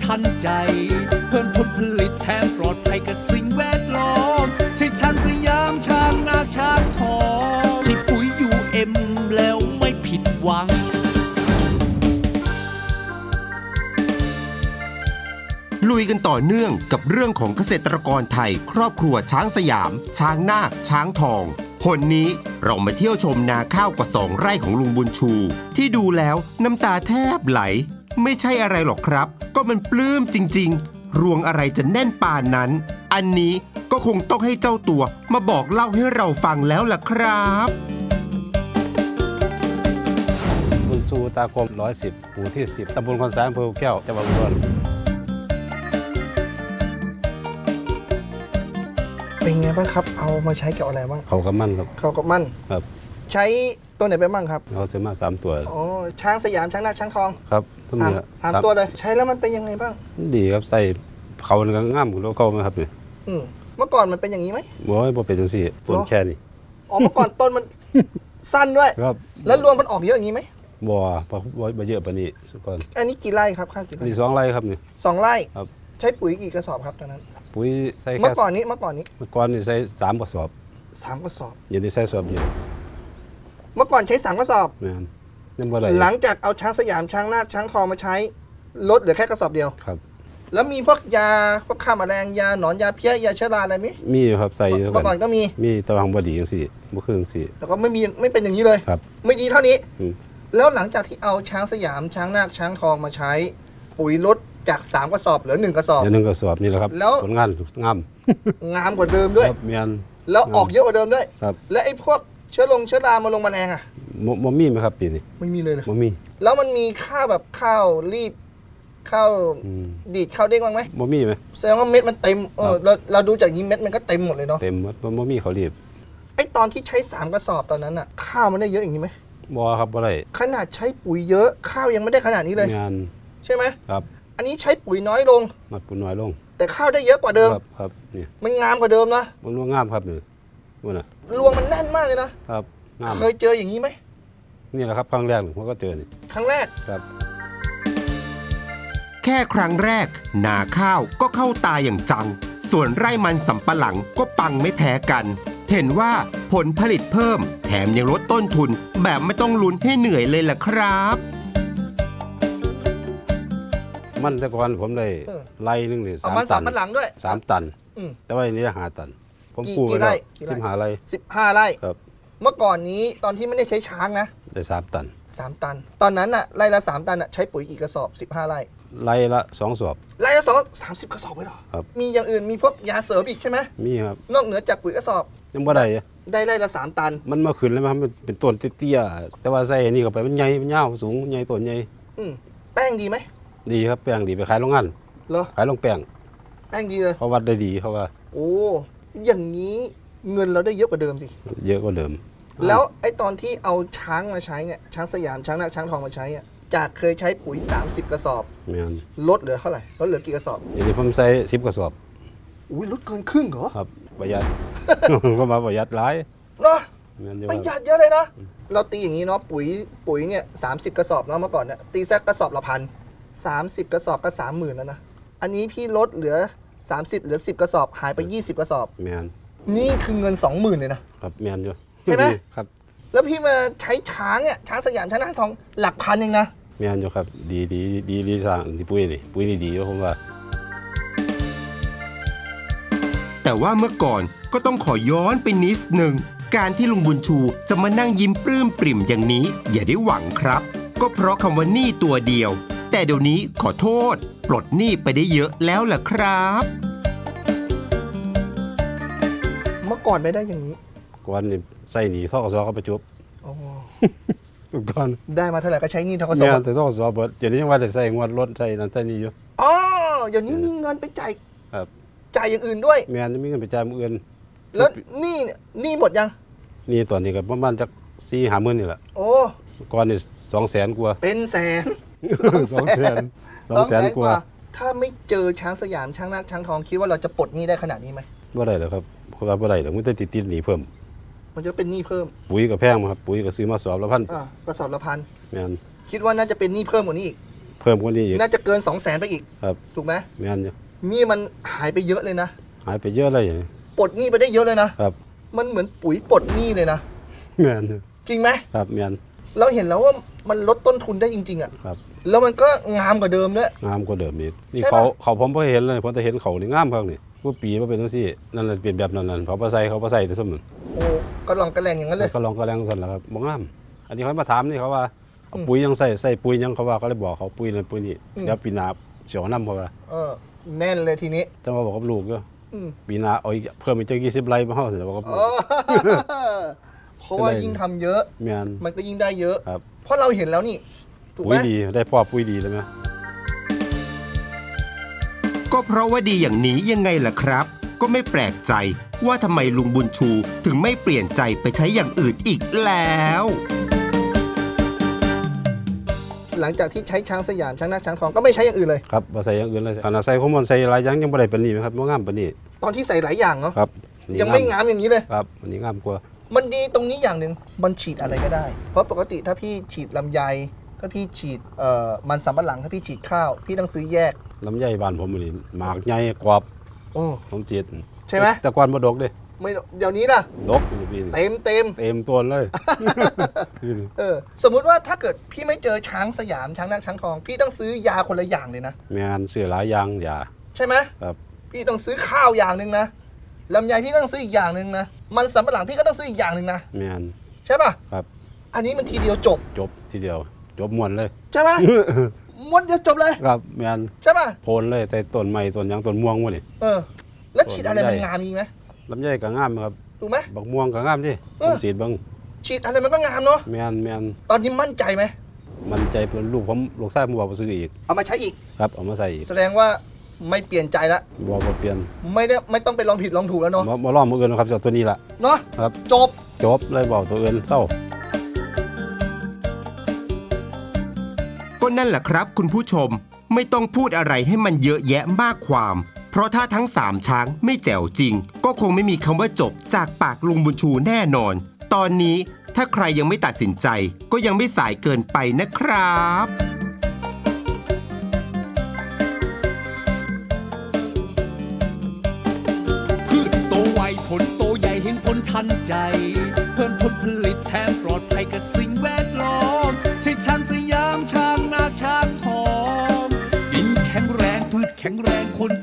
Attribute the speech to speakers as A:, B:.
A: ทันใจเพิ่มผลผลิตแถมปลอดภัยกับสิ่งแวดล้อมใช่ช้างสยามช้างนาช้างทองใช่ปุ๋ยUMแล้วไม่ผิดหวัง
B: ลุยกันต่อเนื่องกับเรื่องของเกษตรกรไทยครอบครัวช้างสยามช้างนาคช้างทองหนนี้เรามาเที่ยวชมนาข้าวกว่า2 ไร่ของลุงบุญชูที่ดูแล้วน้ำตาแทบไหลไม่ใช่อะไรหรอกครับก็มันปลื้มจริงๆรวงอะไรจะแน่นป่านนั้นอันนี้ก็คงต้องให้เจ้าตัวมาบอกเล่าให้เราฟังแล้วล่ะครับ
C: บุญชูตากรม110หมู่ที่10ตำบลคอนสารอำเภอแก้วจังหวัดอุดร
D: เป็นไงบ้างครับเอามาใช้กับอะไรบ้าง
C: เขากับมั่นครับ
D: เขากับมั่น
C: ครับ
D: ใช้ตัวไหนไปบ้างครับ
C: เขาซื้อมา3 ตัว
D: อ๋อช้างสยามช้างนาคช้างทอง
C: ครับ
D: สามตัวเลยใช้แล้วมันเป็นยังไงบ้าง
C: ดีครับใส่เขามันก็ง่ามแล้วเขาไหมครับเนี่ย
D: เมื่อก่อนมันเป็นอย่างนี้ไหม
C: บ่เป็นจังซี่ต้นแค่นี้
D: อ๋อเมื่อก่อนต้นมันสั้นด้วย
C: ครับ
D: แล้วรวงมันออกเยอะอย่างนี้ไหม
C: บ่เยอะปานนี้สุกร
D: อันนี้กี่ไร่ครับข้าวกี่ไร่
C: มี2 ไร่ครับนี่
D: 2 ไร่
C: ครับ
D: ใช้ปุ๋ยกี่กระสอบครับตอนนั้น
C: ปุ๋ยใส่แค่
D: เมื่อก่อนนี้
C: ใส่3 กระสอบ
D: 3 กระสอบ
C: อย่างนี้ใส่สอบเดียว
D: เมื่อก่อนใช้3 กระสอบ
C: นั่นบ่ได้
D: หลังจากเอาช้างสยามช้างนาคช้างทองมาใช้ลดเหลือแค่กระสอบเดียว
C: ครับ
D: แล้วมีพวกยาพวกฆ่าแมลงยาหนอนยาเพี้ยยาเชื้อราอะไรไหม
C: มีครับใส่เ
D: มื่อก่อนก็
C: มีตะวังบ่ดีจังซี่บ่คือจังซี่
D: แล้วก็ไม่เป็นอย่างนี้เลย
C: ครับ
D: ไม่ดีเท่านี้แล้วหลังจากที่เอาช้างสยามช้างนาคช้างทองมาใช้ปุ๋ยลดจาก3 กระสอบเหลือ1 กระสอบ
C: 1 กระสอบนี่แหละครับผลงาน
D: งามกว่าเดิมด้วยแล้วออกเยอะกว่าเดิมด้วยแล้วไอ้พวกเชื้อรามาลงแมลงอ่ะ
C: บ่มีไหมครับปีนี้
D: ไม่มีเลยนะ
C: บ่มี
D: แล้วมันมีข้าวแบบข้าวรีบข้าวดีดข้าวเด้งบ้างไหม
C: บ่มีไหม
D: แสดงว่าเม็ดมันเต็มเราดูจากนี้เม็ดมันก็เต็มหมดเลยเนาะ
C: เต็มบ่มีเขารีบ
D: ไอ้ตอนที่ใช้3 กระสอบตอนนั้นอ่ะข้าวมันได้เยอะอย่างนี้ไหม
C: บ่ครับบ่ได้
D: ขนาดใช้ปุ๋ยเยอะข้าวยังไม่ได้ขนาดนี้เลยใช่ไหม
C: ครับ
D: อันนี้ใช้ปุ๋ยน้อยลง
C: ปุ๋ยน้อยลง
D: แต่ข้าวได้เยอะกว่าเดิม
C: ครับนี่
D: มันงามกว่าเดิมนะ
C: มันรวงงามครับนี่น่ะ
D: รวงมันแน่นมากเลยนะครับ
C: งาม
D: เคยเจออย่างนี้ไหม
C: นี่แหละครับครั้งแรกผมก็เจอนี่
D: ครั้งแรก
C: ครับ
B: แค่ครั้งแรกนาข้าวก็เข้าตาอย่างจังส่วนไร่มันสำปะหลังก็ปังไม่แพ้กันเห็นว่าผลผลิตเพิ่มแถมยังลดต้นทุนแบบไม่ต้องลุ้นให้เหนื่อยเลยล่ะครับ
C: มันแต่ก่อนผมได้ไร่นึงนี่
D: 3 ตันสำปะหลังด้วย
C: 3 ตันแต่ว่าอันนี้5 ตันผมปลูกไปแล้ว15 ไร่
D: 15 ไร่
C: ครับ
D: เมื่อก่อนนี้ตอนที่ไม่ได้ใช้ช้างนะ
C: ได้3 ตัน
D: 3 ตันตอนนั้นน่ะไร่ละ3 ตันน่ะใช้ปุ๋ยกี่กระสอบ15 ไร่
C: ไร่ละ2 สอบ
D: ไร่ละ30 กระสอบเลยเหรอ
C: ครับ
D: มีอย่างอื่นมีพวกยาเสริมอีกใช่ไหม
C: มีครับ
D: นอกเหนือจากปุ๋ยกระสอบ
C: ยังบ่ได้
D: ไร่ละ3 ตัน
C: มันมาขึ้นแล้วมันเป็นต้นเตี้ยๆแต่ว่าใส่นี่เข้าไปมันใหญ่มันยาวสูงใหญ่ต้นใหญ่
D: แป้งดีไหม
C: ดีครับแป้งดีไปขายโรงงาน
D: เหรอ
C: ขายโรงแป้ง
D: ดีเลย
C: เขาวัดได้ดีเขาว่า
D: โอ้อย่างนี้เงินเราได้เยอะกว่าเดิมสิ
C: เยอะกว่าเดิม
D: แล้วไอ้ตอนที่เอาช้างมาใช้เนี่ยช้างสยามช้างนาคช้างทองมาใช้อ่ะจากเคยใช้ปุ๋ย30 กระสอบลดเหลือเท่าไหร่ลดเหลือกี่กระสอบ
C: อย่างนี้ผมใส่10 กระสอบ
D: อุ้ยลดเกินครึ่งเหรอ
C: ครับประหยัด ก็มาประหยัดหลาย
D: เนาะประหยัดเยอะเลยนะเราตีอย่างนี้เนาะปุ๋ยเนี่ย30 กระสอบเนาะเมื่อก่อนเนี่ยตีสักกระสอบละ1,000 30 กระสอบก็ 30,000แล้วนะอันนี้พี่ลดเหลือ30เหลือ10 กระสอบหายไป20 กระสอบนี่คือเงิน 20,000เลยนะครับ
C: แม่นอยู่
D: ใช่ไหม
C: ครับ
D: แล้วพี่มาใช้ช้างเนี่ยช้างสยามช้างนาคทองหลักพันเองนะ
C: แม่นอยู่ครับดีสร้างที่ปุ๋ยนี่ดีอยู่ผมว่า
B: แต่ว่าเมื่อก่อนก็ต้องขอย้อนไปนิดหนึ่งการที่ลุงบุญชูจะมานั่งยิ้มปลื้มปริ่มอย่างนี้อย่าได้หวังครับก็เพราะคำว่าหนี้ตัวเดียวแต่เดี๋ยวนี้ขอโทษปลดหนี้ไปได้เยอะแล้วล่ะครับ
D: เมื่อก่อนไม่ได้อย่างนี้
C: ก่อนนี่ใส่หนี้ทกสก็ไปจบก่อน
D: ได้มาเท่าไหร่ก็ใช้หนี้ทกส
C: เนี่ยแต่ทกสเบิดอย่างนี้ยังว่าจะใส่งวดรถใส่นั่นใส่นี่อยู่
D: อ๋ออย่างนี้มีเงินไปจ่ายอย่างอื่นด้วย
C: แม่นมีเงินไปจ่ายอื่น
D: แล้วนี่หมดยัง
C: นี่ตอนนี้ก็ประมาณจัก 4-5 หมื่นนี่แหละ
D: โอ้
C: ก่อนนี่200,000 กว่า
D: เป็นแสน
C: 200,000 กว่า
D: ถ้าไม่เจอช้างสยามช้างนาคช้างทองคิดว่าเราจะปลดหนี้ได้ขนาดนี้ไหม
C: บ่ได้หรอกครับเพราะว่าบ่ได้หรอกมันจะติดหนี้เพิ่ม
D: มันจะเป็นหนี้เพิ่ม
C: ปุ๋ยก็แพงครับปุ๋ยก็ซื้อมาสอบละ1,000
D: กระสอบละ1,000
C: แม่น
D: คิดว่าน่าจะเป็นหนี้เพิ่มกว่านี้อีก
C: เพิ่มกว่านี้อีก
D: น่าจะเกิน 200,000 ไปอีก
C: ครับ
D: ถูกไหม
C: แม่นอยู่
D: นี่มันหายไปเยอะเลยนะ
C: หายไปเยอะเลยอย่างนี้
D: ปลดหนี้ไปได้เยอะเลยนะครับ มันเหมือนปุ๋ยปลดหนี้เลยนะ
C: แม่นอยู่
D: จริงไหม
C: ครับแม่น
D: เราเห็นแล้วว่ามันลดต้นทุนได้จริงๆอ่ะ
C: ครับ
D: แล้วมันก็งามกว่าเดิมด้วย
C: งามกว่าเดิมอีกนี่
D: ใช่ปะ
C: เขาผมบ่เห็นเลยผมแต่เห็นเขานี่งามครับนี่ว่าปีว่าเป็นจังซี่นั่นแหละเป็นแบบนั้นเขาบ่ใส่แต่สมมุติ
D: โอ้ก็ลองกระแรงอย่างนั้นเลย
C: ก็ลองก็แรงสั่นแหละครับบ่งาม อันนี้เขามาถามนี่เขาว่าเอาปุ๋ยยังใส่ปุ๋ยยังเขาว่าก็เลยบอกเขาปุ๋ยนั่นปุ๋ยนี่เดี๋ยวปีหน้าเสียวน้ำเขาว่า
D: แน่นเลยทีนี้
C: จะมาบอกกับลูกก็
D: อืม
C: ปีหน้าเอาอีกเพิ่มอีกจัก20 ไร่มาเฮาสิบอกกับลูก
D: เพราะว่ายิ่งทำเยอะ
C: แม่น
D: มันก็ยิ่งได้เยอะ
C: ครับ
D: เพราะเราเห็นแล้วนี่ ถูก
C: ปุ๋
D: ไห
C: ย
D: ม
C: ดีได้พ่อปุ๋ยดีเลยไหม
B: ก็เพราะว่าดีอย่างนี้ยังไงล่ะครับ ก็ไม่แปลกใจว่าทำไมลุงบุญชูถึงไม่เปลี่ยนใจไปใช้อย่างอื่นอีกแล้ว
D: หลังจากที่ใช้ช้างสยามช้างนาคช้างทองก็ไม่ใช้อย่างอื่นเลย
C: ครับบ่ใส่อย่างอื่นเลยขนาดใส่ข้อมูลใส่หลายอย่างยังบ่ได้ปานนี้ไหมครับบ่งามปานนี้
D: ตอนที่ใส่หลายอย่างเนาะ
C: ครับอันนี้
D: ยังไม่งามอย่างนี้เลย
C: ครับอันนี้งามกว่า
D: มันดีตรงนี้อย่างหนึ่งมันฉีดอะไรก็ได้ เพราะปกติถ้าพี่ฉีดลำไย ถ้าพี่ฉีดมันสำปะหลัง ถ้าพี่ฉีดข้าว พี่ต้องซื้อแยก
C: ลำไยบ้านผมนี่หมากใหญ่กรอบ
D: โอ้
C: ผมจีด
D: ใช่ไหม
C: แต่ก่อนบ่ดกเด้
D: ไม่เดี๋ยวนี้ล่ะ
C: ดกอยู่ปีนี้
D: เต็ม
C: เต็มตัวเลย
D: สมมุติว่าถ้าเกิดพี่ไม่เจอช้างสยามช้างนาคช้างทอง พี่ต้องซื้อยาคนละอย่างเลยนะ
C: แม่นซื้อหลายอย่างอย่า
D: ใช่ไหม
C: ครับ
D: พี่ต้องซื้อข้าวอย่างหนึ่งนะลำไยพี่ก็ต้องซื้ออีกอย่างหนึ่งนะมันสำปะหลังพี่ก็ต้องซื้ออีกอย่างหนึ่งนะ
C: แม่น
D: ใช่ป่ะ
C: ครับ
D: อันนี้มันทีเดียวจบ
C: จบทีเดียว จบม่วนเลย
D: ใช่ไหม ม้วนเดียวจบเลย
C: ครับแม่น
D: ใช่ป่ะ
C: โพนเลยแต่ต้นไม้ต้นหยังต้นม่วงหมดนี่
D: แล้วฉีดอะไรมันงามอีกไหม
C: ลำไยก็งามครับ
D: ถูกไหม
C: บักม่วงก็งามดิ
D: เอ
C: ผ
D: อ
C: มจีดเบิ่ง
D: ฉีดอะไรมันก็งามเนาะ
C: แม่น
D: ตอนนี้มั่นใจไหม
C: มันใจเพิ่นลูกผมลูกชายผมบอกว่าซื้ออีก
D: เอามาใช้อีก
C: ครับเอามาใส่อีก
D: แสดงว่าไม่เปลี่ยนใจละ
C: บอกว่าเปลี่ยน
D: ไม่ต้องไปลองผิดลองถูกแล้วเนาะ
C: บ่ลองมื้ออื่นนะครับเอาตัวนี้ล่ะ
D: เนาะ
C: ครับ
D: จบ
C: จบเลยบอกตัวอื่นเศร้า
B: ก็นั่นแหละครับคุณผู้ชมไม่ต้องพูดอะไรให้มันเยอะแยะมากความ เพราะถ้าทั้ง3ช้างไม่แจ๋วจริง ก็คงไม่มีคำว่าจบจากปากลุงบุญชูแน่นอน ตอนนี้ถ้าใครยังไม่ตัดสินใจ ก็ยังไม่สายเกินไปนะครับ
A: พืชโตไวผลโตใหญ่เห็นผลทันใจ เพิ่มผลผลิตแถมปลอดภัยกับสิ่งแวดล้อมใช่ช้างสยามช้างนาคช้างทองดินแข็งแรงพืชแข็งแรงคน